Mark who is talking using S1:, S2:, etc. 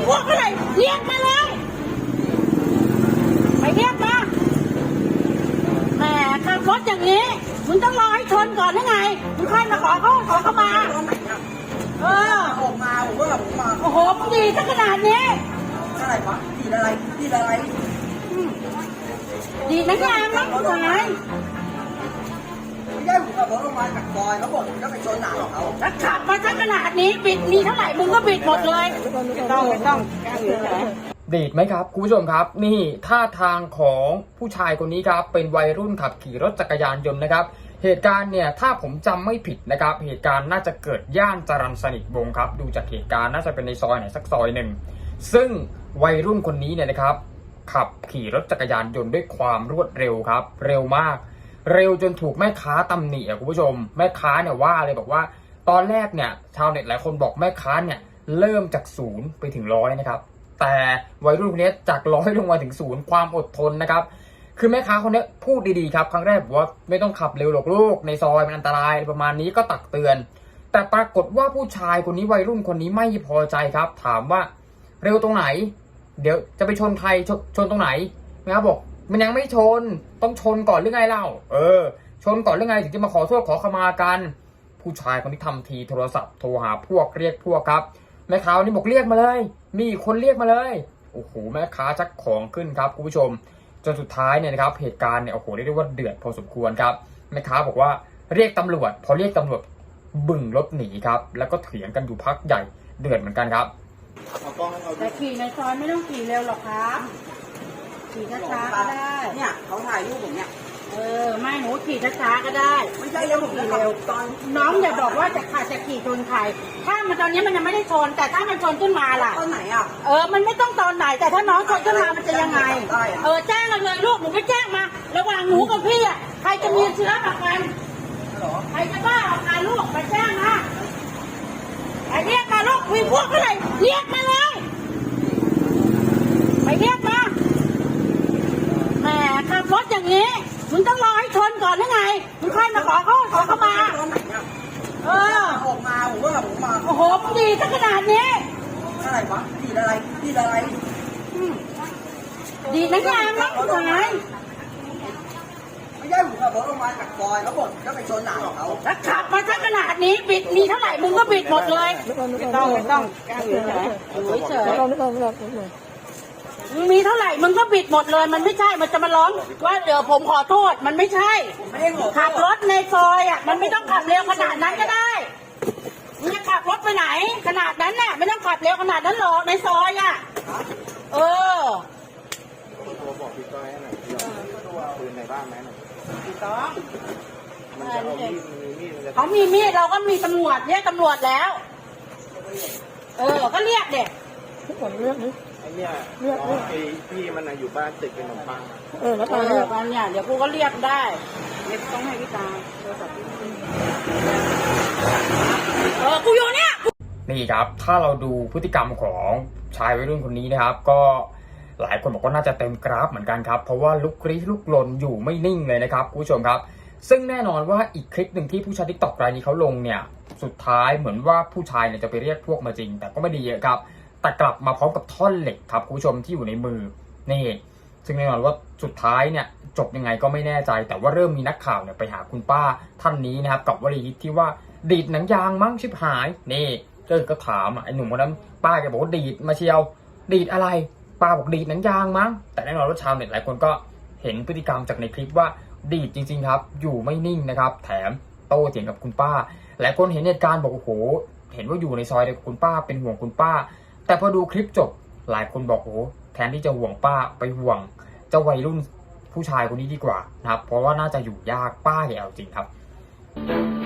S1: พวกอะไรเรียกมาเลยไปเรียกมาแหมขับรถอย่างนี้มึงต้องรอให้ชนก่อนได้ไงมึงค่อยมาขอเขามาอ
S2: อกมาผมก็แบบมา
S1: โอ้โหมึงดีซะขนาดนี้
S2: อะไรวะดีอะไร
S1: ดีนะงามนะคุณนาย
S2: ไม่ใช่ผมขับรถลงมาจากซอยแล้วบอกผมจะไปชนหนาของเขา
S1: แล้วขับมาซะขนาดนี้บิดมีเท่าไหร่มึงก็บิดหมดเลยไม่ต้อง
S3: ดีดไหมครับคุณผู้ชมครับนี่ท่าทางของผู้ชายคนนี้ครับเป็นวัยรุ่นขับขี่รถจักรยานยนต์นะครับเหตุการณ์เนี่ยถ้าผมจำไม่ผิดนะครับเหตุการณ์น่าจะเกิดย่านจรัญสนิทวงศ์ครับดูจากเหตุการณ์น่าจะเป็นในซอยไหนสักซอยหนึ่งซึ่งวัยรุ่นคนนี้เนี่ยนะครับขับขี่รถจักรยานยนต์ด้วยความรวดเร็วครับเร็วมากเร็วจนถูกแม่ค้าตำหนิคุณผู้ชมแม่ค้าเนี่ยว่าเลยบอกว่าตอนแรกเนี่ยชาวเน็ตหลายคนบอกแม่ค้าเนี่ยเริ่มจาก0ไปถึง100นะครับแต่วัยรุ่นคนนี้จาก100ลงมาถึง0ความอดทนนะครับคือแม่ค้าคนนี้พูดดีๆครับครั้งแรกบอกว่าไม่ต้องขับเร็วหรอกลูกในซอยมันอันตรายประมาณนี้ก็ตักเตือนแต่ปรากฏว่าผู้ชายคนนี้วัยรุ่นคนนี้ไม่พอใจครับถามว่าเร็วตรงไหนเดี๋ยวจะไปชนใครชนตรงไหนนะครับบอกมันยังไม่ชนต้องชนก่อนหรือไงเล่าชนก่อนหรือไงถึงจะมาขอโทษขอขมากันผู้ชายคนที่ทำทีโทรศัพท์โทรหาพวกเรียกพวกครับแม่ค้านี่บอกเรียกมาเลยมีคนเรียกมาเลยโอ้โหแม่ค้าชักของขึ้นครับคุณผู้ชมจนสุดท้ายเนี่ยนะครับเหตุการณ์เนี่ยโอ้โหเรียกได้ว่าเดือดพอสมควรครับแม่ค้าบอกว่าเรียกตำรวจพอเรียกตำรวจบึ่งรถหนีครับแล้วก็เถียงกันอยู่พักใหญ่เดือดเหมือนกันครับ
S1: แต่ขี่ในซอยไม่ต้องขี่เร็วหรอกครับขี่ช้าๆก็ได้
S2: เนี่ยเขาถ่ายรูปผมเนี่ย
S1: ไม่หนูขี่ช้าๆก็ได้
S2: ไม่ใช่แล้วผมขี่เร็วตอน
S1: น้องอย่าบอกว่าจะขี่ชนใครถ้ามันตอนนี้มันยังไม่ได้ชนแต่ถ้ามันชนขึ้นมาล่ะ
S2: ตอนไหนอ่ะ
S1: มันไม่ต้องตอนไหนแต่ถ้าน้องชนขึ้นมามันจะยังไงแจ้งเลยลูกหนูไม่แจ้งมาระหว่างหนูกับพี่อ่ะใครจะมีเชื้อกับกันใครจะบ้ากับการลูกไปแจ้งมาไปเรียกมาลูกมีพวกอะไรเรียกมาเลยไปเรียกมาแหมขับรถอย่างนี้มึงต้องรอให้ชนก่อนได้ไงมึงค่อยมาขอเขามา
S2: ตอนไหนอ่ะออกมาผมก็แบบผมมา
S1: โอ้โหมึงดีซะขนาดนี้
S2: อะไรวะดีอะไร
S1: ดีนะงามนะคุณนาย
S2: ไม่ใช่ผมขับรถลงมาจากซอยแล้วบอกจะไปชนหนาของเขา
S1: แล้วขับมาซะขนาดนี้บิดมีเท่าไหร่มึงก็บิดหมดเลยไม่ต้องเฉยมึงมีเท่าไหร่มึงก็บิดหมดเลยมันไม่ใช่มันจะมาร้องว่าเดี๋ยวผมขอโทษมันไม่ใช่ขับรถในซอยอ่ะมันไม่ต้องขับเร็วขนาดนั้นก็ได้มึงจะขับรถไปไหนขนาดนั้นน่ะไม่ต้องขับเร็วขนาดนั้นหรอกในซอยอ่ะ
S4: บอกพี่ก้อยให้หน่อยปืนในบ้านไหมหน่อย
S1: พี่ก้อย
S4: มันจะเอามีด
S1: เขามีมีดเราก็มีตำรวจเรียกตำรวจแล้วก็เรียกเด็ก
S4: ทุกคนเรียกนี่ไอ้เนี่ยไอ้พี่มันอยู่บ้านติดเป็นขนมปัง
S1: แล้วตอนเนี่ยเดี๋ยวกูก็เรียกได้เรียกต้องให้พี่ตาโทรศัพท์กูอยู่เนี่ย
S3: นี่ครับถ้าเราดูพฤติกรรมของชายวัยรุ่นคนนี้นะครับก็หลายคนบอกว่าน่าจะเต็มกราฟเหมือนกันครับเพราะว่าลุกลี้ลุกลนอยู่ไม่นิ่งเลยนะครับคุณผู้ชมครับซึ่งแน่นอนว่าอีกคลิปหนึ่งที่ผู้ใช้ TikTok รายนี้เขาลงเนี่ยสุดท้ายเหมือนว่าผู้ชายเนี่ยจะไปเรียกพวกมาจริงแต่ก็ไม่ดีเยอะครับแต่กลับมาพร้อมกับท่อนเหล็กครับคุณผู้ชมที่อยู่ในมือนี่ซึ่งแน่นอนว่าสุดท้ายเนี่ยจบยังไงก็ไม่แน่ใจแต่ว่าเริ่มมีนักข่าวเนี่ยไปหาคุณป้าท่านนี้นะครับกับวลีฮิตที่ว่าดีดหนังยางมั้งชิบหายนี่ก็ถามไอ้หนุ่มคนนั้นป้าแกบอกว่าดีดมาเชียวดีดอะไรป้าบอกดีดหนังยางมั้งแต่แน่นอนว่าชาวเน็ตหลายคนก็เห็นพฤติกรรมจากในคลิปว่าดีดจริงๆครับอยู่ไม่นิ่งนะครับแถมโต้เถียงกับคุณป้าหลายคนเห็นเหตุการณ์บอกโอ้โหเห็นว่าอยู่ในซอยเดียวกับคุณป้าเป็นห่วงคุณป้าแต่พอดูคลิปจบหลายคนบอกโอ้แทนที่จะห่วงป้าไปห่วงเจ้าวัยรุ่นผู้ชายคนนี้ดีกว่านะครับเพราะว่าน่าจะอยู่ยากป้าแกเอาจริงครับ